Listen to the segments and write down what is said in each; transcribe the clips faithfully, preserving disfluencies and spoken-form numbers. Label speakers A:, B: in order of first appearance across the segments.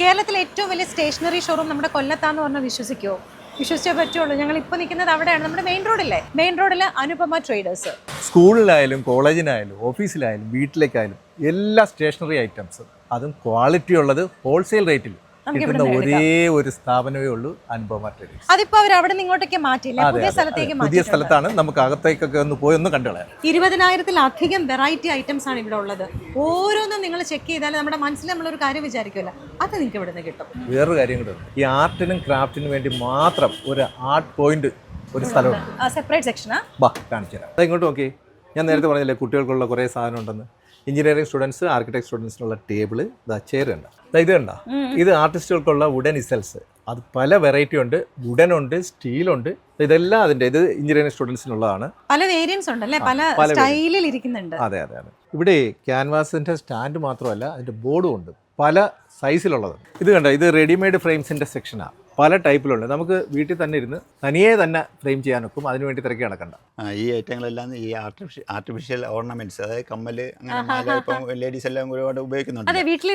A: കേരളത്തിലെ ഏറ്റവും വലിയ സ്റ്റേഷനറി ഷോറൂം നമ്മുടെ കൊല്ലത്താന്ന് പറഞ്ഞാൽ വിശ്വസിക്കുമോ? വിശ്വസിച്ചേ പറ്റുള്ളൂ. ഞങ്ങൾ ഇപ്പോൾ നിൽക്കുന്നത് അവിടെയാണ്, നമ്മുടെ മെയിൻ റോഡില്ലേ, മെയിൻ റോഡിൽ അനുപമ ട്രേഡേഴ്സ്.
B: സ്കൂളിലായാലും കോളേജിനായാലും ഓഫീസിലായാലും വീട്ടിലേക്കായാലും എല്ലാ സ്റ്റേഷനറി ഐറ്റംസും അതും ക്വാളിറ്റി ഉള്ളത് ഹോൾസെയിൽ റേറ്റിൽ കിട്ടുന്ന ഒരേ ഒരു സ്ഥാപനമേ ഉള്ളൂ അനുപമ ട്രേഡേഴ്സ്.
A: അതിപ്പോ അവർ അവിടെ നിന്ന് ഇങ്ങോട്ടേക്ക് മാറ്റിയില്ല, പുതിയ സ്ഥലത്തേക്ക്
B: പുതിയ സ്ഥലത്താണ്. നമുക്ക് അകത്തേക്കൊക്കെ ഒന്ന് പോയി ഒന്ന് കണ്ടുകളയാം.
A: ഇരുപതിനായിരത്തിലധികം വെറൈറ്റി ഐറ്റംസ് ആണ് ഇവിടെ ഉള്ളത്. ഓരോന്നും നിങ്ങൾ ചെക്ക് ചെയ്താൽ നമ്മുടെ മനസ്സിൽ നമ്മളൊരു കാര്യം വിചാരിക്കുമല്ലോ, അത് നിങ്ങൾക്ക് ഇവിടെ നിന്ന് കിട്ടും.
B: വേറൊരു കാര്യം കൂടെ, ഈ ആർട്ടിനും ക്രാഫ്റ്റിനും വേണ്ടി മാത്രം ഒരു ആർട്ട് പോയിന്റ് ഒരു സ്ഥലമുണ്ട്,
A: സെപ്പറേറ്റ് സെക്ഷനാ.
B: ബാ കാണിച്ചു തരാം. അത് ഇങ്ങോട്ട് നോക്കി. ഞാൻ നേരത്തെ പറഞ്ഞില്ലേ കുട്ടികൾക്കുള്ള കുറേ സാധനം ഉണ്ടെന്ന്. എഞ്ചിനീയറിംഗ് സ്റ്റുഡൻസ്, ആർക്കിടെക്ട് സ്റ്റുഡൻസിനുള്ള ടേബിള്, ഇതാ ചെയർ ഉണ്ട്, ഇത് കണ്ട, ഇത് ആർട്ടിസ്റ്റുകൾക്കുള്ള വുഡൻ ഇസൽസ്. അത് പല വെറൈറ്റി ഉണ്ട്, വുഡൻ ഉണ്ട്, സ്റ്റീലുണ്ട്, ഇതെല്ലാം അതിൻ്റെ. ഇത് എഞ്ചിനീയറിംഗ് സ്റ്റുഡൻസിനുള്ളതാണ്.
A: പല വേരിയൻസ് ഉണ്ടല്ലേ, പല സ്റ്റൈലിൽ ഇരിക്കുന്നുണ്ട്.
B: അതെ അതെ അതെ. ഇവിടെ ക്യാൻവാസിന്റെ സ്റ്റാൻഡ് മാത്രമല്ല, അതിന്റെ ബോർഡും ഉണ്ട്, പല സൈസിലുള്ളത്. ഇത് കണ്ട, ഇത് റെഡിമെയ്ഡ് ഫ്രെയിംസിന്റെ സെക്ഷനാണ്. പല ടൈപ്പിലുണ്ട്. നമുക്ക് വീട്ടിൽ തന്നെ ഇരുന്ന് തനിയെ തന്നെ ഫ്രെയിം ചെയ്യാനൊക്കും. അതിനുവേണ്ടി തിരക്കി നടക്കണ്ട.
C: ഈ ഐറ്റങ്ങളെല്ലാം ഈ ആർട്ടിഫിഷ്യൽ ആർട്ടിഫിഷ്യൽ ഓർണമെന്റ്സ്, അതായത് കമ്മല്, അങ്ങനെ ഇപ്പം ലേഡീസ് എല്ലാം ഒരുപാട് ഉപയോഗിക്കുന്നുണ്ട്.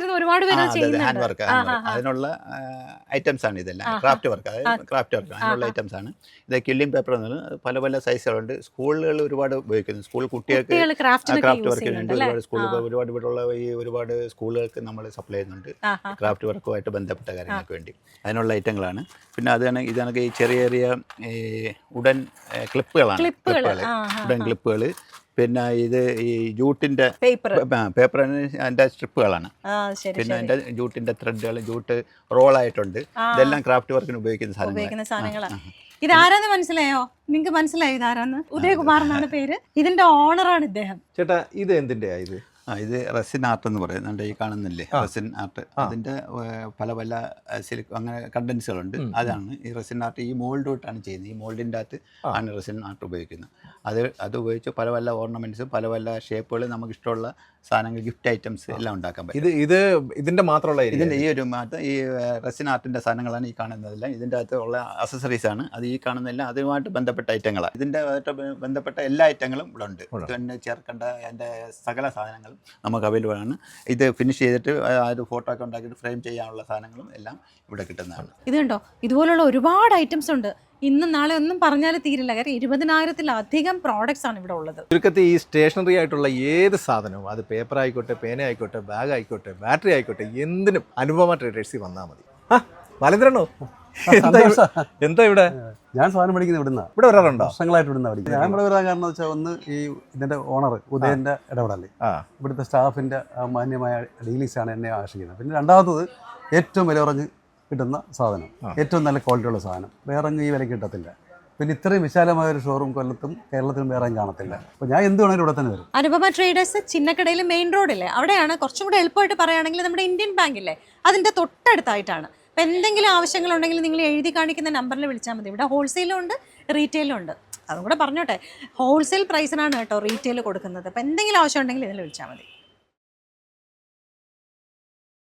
C: ഹാൻഡ് വർക്ക്, അതിനുള്ള ഐറ്റംസ് ആണ് ഇതെല്ലാം. ക്രാഫ്റ്റ് വർക്ക്, അതായത് ക്രാഫ്റ്റ് വർക്ക്, അതിനുള്ള ഐറ്റംസ് ആണ്. ഇത് കില്ലിംഗ് പേപ്പർ എന്ന് പറഞ്ഞാൽ പല പല സൈസുകളുണ്ട്. സ്കൂളുകൾ ഒരുപാട് ഉപയോഗിക്കുന്നു. സ്കൂൾ കുട്ടികൾക്ക് ക്രാഫ്റ്റ് വർക്കിന് വേണ്ടി ഒരുപാട് സ്കൂളുകൾ, ഒരുപാട് ഇവിടെയുള്ള ഈ ഒരുപാട് സ്കൂളുകൾക്ക് നമ്മൾ സപ്ലൈ ചെയ്യുന്നുണ്ട് ക്രാഫ്റ്റ് വർക്കുമായിട്ട് ബന്ധപ്പെട്ട കാര്യങ്ങൾക്ക് വേണ്ടി. അതിനുള്ള ഐറ്റങ്ങളാണ്. പിന്നെ അതാണ് ഇതാണ് ഈ ചെറിയ ചെറിയ ഉടൻ ക്ലിപ്പുകളാണ്, ക്ലിപ്പുകൾ, ഉടൻ ക്ലിപ്പുകൾ. പിന്നെ ഇത് ഈ ജൂട്ടിന്റെ പേപ്പർ, അതിന്റെ സ്ട്രിപ്പുകളാണ്. പിന്നെ അതിന്റെ ജൂട്ടിന്റെ ത്രെഡുകൾ, ജൂട്ട് റോൾ ആയിട്ടുണ്ട്. ഇതെല്ലാം ക്രാഫ്റ്റ് വർക്കിന് ഉപയോഗിക്കുന്ന സാധനങ്ങളാണ്.
A: ഇതാരാന്ന് മനസ്സിലായോ? നിങ്ങൾക്ക് മനസ്സിലായോ ഇതാരാന്ന്? ഉദയകുമാർ എന്നാണ് പേര്. ഇതിന്റെ ഓണറാണ് ഇദ്ദേഹം.
B: ചേട്ടാ, ഇത് എന്തിന്റെ ഇത്?
C: ആ, ഇത് റെസിൻ ആർട്ട് എന്ന് പറയും. നമ്മുടെ ഈ കാണുന്നില്ലേ റെസിൻ ആർട്ട്, അതിൻ്റെ പല പല സിലിക് അങ്ങനെ കണ്ടൻസുകളുണ്ട്. അതാണ് ഈ റെസിൻ ആർട്ട്. ഈ മോൾഡ് തൊട്ടാണ് ചെയ്യുന്നത്. ഈ മോൾഡിൻ്റെ അകത്ത് ആണ് റെസിൻ ആർട്ട് ഉപയോഗിക്കുന്നത്. അത് അത് ഉപയോഗിച്ച് പല പല ഓർണമെൻറ്റ്സും പല പല ഷേപ്പുകൾ, നമുക്ക് ഇഷ്ടമുള്ള സാധനങ്ങൾ, ഗിഫ്റ്റ് ഐറ്റംസ് എല്ലാം ഉണ്ടാക്കാൻ പറ്റും.
B: ഇത് ഇത് ഇതിൻ്റെ മാത്രമുള്ള
C: ഇതിൻ്റെ ഈ ഒരു മാറ്റം ഈ റെസിൻ ആർട്ടിൻ്റെ സാധനങ്ങളാണ് ഈ കാണുന്നതെല്ലാം. ഇതിൻ്റെ അകത്ത് ഉള്ള അക്സസറീസ് ആണ്. അത് ഈ കാണുന്നതെല്ലാം അതുമായിട്ട് ബന്ധപ്പെട്ട ഐറ്റങ്ങളാണ്. ഇതിൻ്റെ ബന്ധപ്പെട്ട എല്ലാ ഐറ്റങ്ങളും ഇവിടെ ഉണ്ട്. പിന്നെ ചേർക്കേണ്ട അതിൻ്റെ സകല സാധനങ്ങൾ നമുക്ക് അവൈലബിൾ ആണ്. ഇത് ഫിനിഷ് ചെയ്തിട്ട് ആ ഒരു ഫോട്ടോ ഒക്കെ ഉണ്ടാക്കിയിട്ട് ഫ്രെയിം ചെയ്യാനുള്ള സാധനങ്ങളും എല്ലാം ഇവിടെ കിട്ടുന്നതാണ്.
A: ഇത് കണ്ടോ, ഇതുപോലുള്ള ഒരുപാട് ഐറ്റംസ് ഉണ്ട്. ഇന്നും നാളെ ഒന്നും പറഞ്ഞാൽ തീരില്ല. കാരണം ഇരുപതിനായിരത്തിലധികം പ്രോഡക്ട്സ് ആണ് ഇവിടെ ഉള്ളത്.
B: ചുരുക്കത്തിൽ ഈ സ്റ്റേഷനറി ആയിട്ടുള്ള ഏത് സാധനവും, അത് പേപ്പർ ആയിക്കോട്ടെ, പേന ആയിക്കോട്ടെ, ബാഗ് ആയിക്കോട്ടെ, ബാറ്ററി ആയിക്കോട്ടെ, എന്തിനും അനുപമ ട്രേഡേഴ്സിൽ വന്നാൽ മതി. ആ മലന്ദ്രനോ, എന്താ ഇവിടെ?
D: ഞാൻ സാധനം പഠിക്കുന്നത് ഇവിടുന്ന.
B: ഇവിടെ വരാറുണ്ടോ?
D: വർഷങ്ങളായിട്ട് ഇവിടുന്ന് പഠിക്കുന്നത്. ഞാൻ ഇവിടെ വരാൻ കാരണം വെച്ചാൽ, ഒന്ന് ഈ ഇതിന്റെ ഓണർ ഉദയന്റെ ഇടപെടല്, ഇവിടുത്തെ സ്റ്റാഫിന്റെ മാന്യമായ ഡീലിങ്സ് ആണ് എന്നെ ആകർഷിക്കുന്നത്. പിന്നെ രണ്ടാമത്തത് ഏറ്റവും വില കുറഞ്ഞ് കിട്ടുന്ന സാധനം, ഏറ്റവും നല്ല ക്വാളിറ്റിയുള്ള സാധനം വേറെ ഈ വിലയ്ക്ക് കിട്ടത്തില്ല. പിന്നെ ഇത്രയും വിശാലമായ ഒരു ഷോറൂം കൊല്ലത്തും കേരളത്തിലും വേറെ കാണത്തില്ല. അപ്പോൾ ഞാൻ എന്ത് വേണമെങ്കിലും ഇവിടെ തന്നെ വരും.
A: അനുപമ ട്രേഡേഴ്സ് ചിന്നക്കടയിൽ മെയിൻ റോഡില്ലേ, അവിടെയാണ്. കുറച്ചും കൂടെ എളുപ്പമായിട്ട് പറയുകയാണെങ്കിൽ നമ്മുടെ ഇന്ത്യൻ ബാങ്കില്ലേ, അതിൻ്റെ തൊട്ടടുത്തായിട്ടാണ്. അപ്പോൾ എന്തെങ്കിലും ആവശ്യങ്ങളുണ്ടെങ്കിൽ നിങ്ങൾ എഴുതി കാണിക്കുന്ന നമ്പറിൽ വിളിച്ചാൽ മതി. ഇവിടെ ഹോൾസെയിലും ഉണ്ട്, റീറ്റെയിലും ഉണ്ട്. അതും കൂടെ പറഞ്ഞോട്ടെ, ഹോൾസെയിൽ പ്രൈസിനാണ് കേട്ടോ റീറ്റെയിൽ കൊടുക്കുന്നത്. അപ്പോൾ എന്തെങ്കിലും ആവശ്യം ഉണ്ടെങ്കിൽ ഇതിൽ വിളിച്ചാൽ മതി.